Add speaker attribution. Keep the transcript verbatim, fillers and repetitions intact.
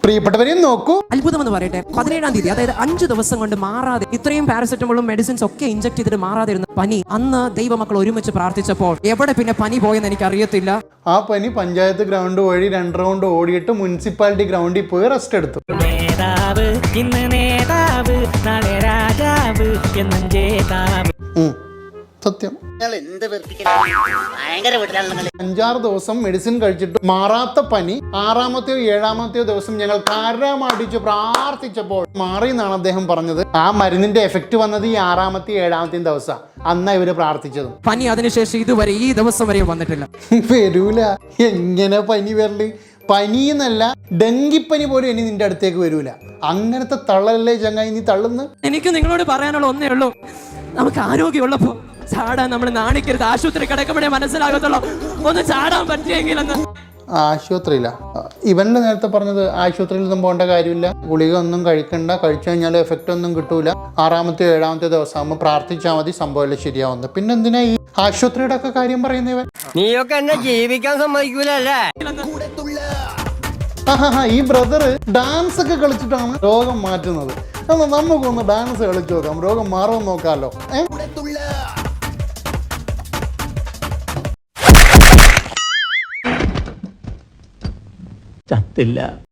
Speaker 1: പ്രിയപ്പെട്ടവരെയും നോക്കൂ.
Speaker 2: അത്ഭുതം എന്ന് പറയട്ടെ, പതിനേഴാം തീയതി അതായത് അഞ്ചു ദിവസം കൊണ്ട് മാറാതെ ഇത്രയും പാരസെറ്റമോളും മെഡിസിൻസ് ഒക്കെ ഇഞ്ചക്ട് ചെയ്തിട്ട് മാറാതെ ഇരുന്ന പനി അന്ന് ദൈവമക്കൾ ഒരുമിച്ച് പ്രാർത്ഥിച്ചപ്പോൾ എവിടെ പിന്നെ പനി പോയെന്ന് എനിക്ക് അറിയത്തില്ല.
Speaker 1: ആ പനി പഞ്ചായത്ത് ഗ്രൗണ്ട് വഴി രണ്ട് റൗണ്ട് ഓടിയിട്ട് മുനിസിപ്പാലിറ്റി ഗ്രൗണ്ടിൽ പോയി റെസ്റ്റ് എടുത്തു.
Speaker 3: നേതാവ് ഇന്ന് നേതാവ് നാളെ രാജാവ് എന്നും ജേതാവ്.
Speaker 1: സത്യം. അഞ്ചാറ് ദിവസം മെഡിസിൻ കഴിച്ചിട്ട് മാറാത്ത പനി ആറാമത്തെയോ ഏഴാമത്തെയോ ദിവസം ഞങ്ങൾ കരമടിച്ച് പ്രാർത്ഥിച്ചപ്പോൾ മാറി എന്നാണ് അദ്ദേഹം പറഞ്ഞത്. ആ മരുന്നിന്റെ എഫക്ട് വന്നത് ഈ ആറാമത്തെയും ഏഴാമത്തെയും ദിവസം അന്നാ ഇവര് പ്രാർത്ഥിച്ചതും.
Speaker 2: പനി അതിനുശേഷം ഇതുവരെ ഈ ദിവസം വരെ വന്നിട്ടില്ല.
Speaker 1: വരൂല. എങ്ങനെ പനി വരല്? പനിന്നല്ല, ഡെങ്കിപ്പനി പോലും ഇനി നിന്റെ അടുത്തേക്ക് വരൂല. അങ്ങനത്തെ തള്ളലല്ലേ ചങ്ങായി നീ തള്ളുന്നു.
Speaker 2: എനിക്ക് നിങ്ങളോട് പറയാനുള്ള ഒന്നേ ഉള്ളൂ, നമുക്ക് ആരോഗ്യമുള്ളപ്പോ ചാടാൻ നമ്മൾ നാണിക്കരുത്. ആശുപത്രി കിടക്കുമ്പോഴേ മനസ്സിലാകത്തുള്ളൂ ഒന്ന് ചാടാൻ പറ്റിയെങ്കിലെന്ന്.
Speaker 1: ആശുപത്രിയില്ല, ഇവന്റെ നേരത്തെ പറഞ്ഞത് ആശുപത്രിയിൽ ഒന്നും പോകേണ്ട കാര്യമില്ല, ഗുളിക ഒന്നും കഴിക്കണ്ട, കഴിച്ചു കഴിഞ്ഞാൽ എഫക്റ്റ് ഒന്നും കിട്ടൂല, ആറാമത്തെ ഏഴാമത്തെ ദിവസം ആകുമ്പോൾ പ്രാർത്ഥിച്ചാൽ മതി, സംഭവം ശരിയാവുന്നത്. പിന്നെ എന്തിനാ ഈ ആശുപത്രിയുടെ ഒക്കെ കാര്യം പറയുന്നവൻ?
Speaker 3: നീയൊക്കെ എന്നെ ജീവിക്കാൻ സമ്മതിക്കൂലല്ലേ?
Speaker 1: ഈ ബ്രദർ ഡാൻസ് ഒക്കെ കളിച്ചിട്ടാണ് രോഗം മാറ്റുന്നത്. എന്നാൽ നമുക്കൊന്ന് ഡാൻസ് കളിച്ചു നോക്കാം, രോഗം മാറുമെന്ന് നോക്കാമല്ലോ.
Speaker 4: ചത്തില്ല.